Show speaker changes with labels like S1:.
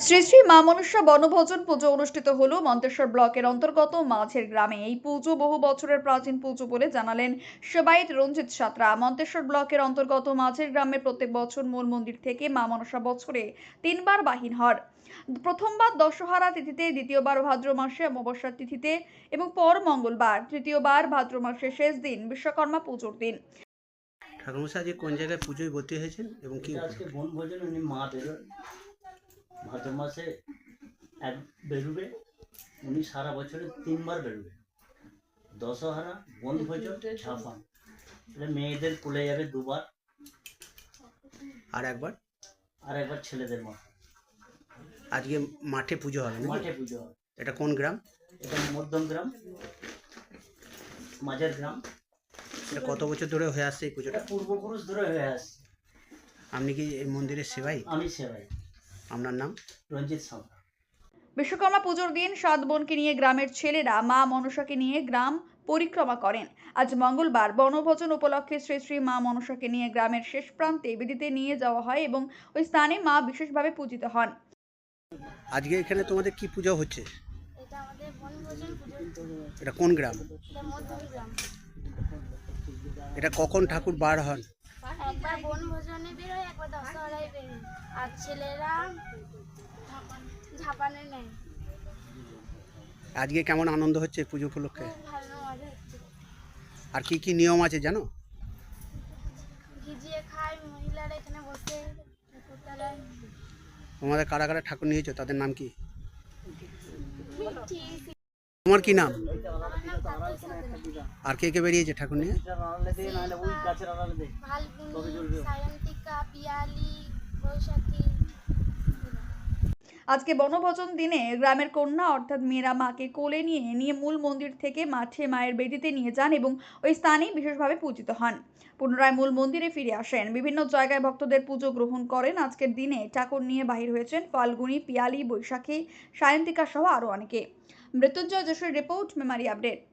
S1: শ্রী শ্রী মা মনসা বনভোজন পুজো অনুষ্ঠিত হলো মন্তেশ্বর ব্লকের অন্তর্গত মাঝের গ্রামে। এই পুজো বহু বছরের প্রাচীন পুজো বলে জানালেন সেবায়েত রঞ্জিত সাঁতরা। মন্তেশ্বর ব্লকের অন্তর্গত মাঝের গ্রামে প্রত্যেক বছর মূল মন্দির থেকে মা মনসা বছরে তিনবার বাহির হন। প্রথমবার দশহরা তিথিতে, দ্বিতীয়বার ভাদ্র মাসে অমাবস্যার তিথিতে এবং পর মঙ্গলবার, তৃতীয়বার ভাদ্র মাসের শেষ দিন বিশ্বকর্মা পুজোর দিন।
S2: ঠাকুরমশাই আজকে কোন জায়গায় পুজোয় ভর্তি হয়েছেন এবং কি
S3: আজকে বনভোজন উনি মা বেরোন ভাদ্র মাসে এক বেরোবে। উনি সারা বছরে তিনবার বেরোবে, দশহরা, বনভোজন, ঝাপান। এটা মেয়েদের কোলে যাবে দুবার,
S2: আর একবার
S3: ছেলেদের মা।
S2: আজকে মাঠে পুজো হবে নাকি?
S3: মাঠে পুজো হয়।
S2: এটা কোন গ্রাম?
S3: এটা মধ্যম গ্রাম, মাঝের গ্রাম।
S2: এটা কত বছর ধরে হয়ে আসছে এই পুজোটা?
S3: এটা পূর্বপুরুষ ধরে হয়ে আসছে।
S2: আপনি কি এই মন্দিরের সেবাই?
S3: আমি সেবাই।
S2: আপনার নাম?
S3: রঞ্জিত সাঁতরা।
S1: বিশ্বকর্মা পুজোর দিন 7 বোনকে নিয়ে গ্রামের ছেলেরা মা মনসাকে নিয়ে গ্রাম পরিক্রমা করেন। আজ মঙ্গলবার বনভোজন উপলক্ষে শ্রী শ্রী মা মনসাকে নিয়ে গ্রামের শেষ প্রান্তে বেদিতে নিয়ে যাওয়া হয় এবং ওই স্থানে মা বিশেষভাবে পূজিত হন।
S2: আজকে এখানে তোমাদের কি পুজো হচ্ছে?
S4: এটা আমাদের বনভোজন পুজো।
S2: এটা কোন গ্রাম?
S4: এটা মধ্যমগ্রাম।
S2: এটা কখন ঠাকুর বার হন?
S4: একবার বনভোজনে বেরোয়, একবার দশহরায় বেরোয়। আর ছেলেরা ঝাপানে নেয়।
S2: আজকে কেমন আনন্দ হচ্ছে পুজো উপলক্ষে?
S4: খুব ভালো মজা হচ্ছে।
S2: আর কি কি নিয়ম আছে জানো?
S4: ভিজিয়ে খায় মহিলারা এখানে বসে ঠাকুরতলায়।
S2: তোমাদের কারা কারা ঠাকুর নিয়েছো তাদের নাম কি?
S4: মিঠি,
S2: তোমার কি নাম?
S4: আমার নাম তাপস সাঁতরা।
S2: আর কে কে বেরিয়েছে ঠাকুর নিয়ে?
S4: ফাল্গুনি, সায়ন্তিকা, পিয়ালি, বৈশাখী।
S1: আজকে বনভোজন দিনে গ্রামের কন্যা অর্থাৎ মেয়েরা মাকে কোলে নিয়ে মূল মন্দির থেকে মাঠে মায়ের বেদিতে নিয়ে যান এবং ওই স্থানেই বিশেষভাবে পূজিত হন। পুনরায় মূল মন্দিরে ফিরে আসেন। বিভিন্ন জায়গায় ভক্তদের পুজো গ্রহণ করেন। আজকের দিনে ঠাকুর নিয়ে বাহির হয়েছেন ফাল্গুনি, পিয়ালি, বৈশাখী, সায়ন্তিকা সহ আরও অনেকে। Mrityunjay Jessore report, memory update.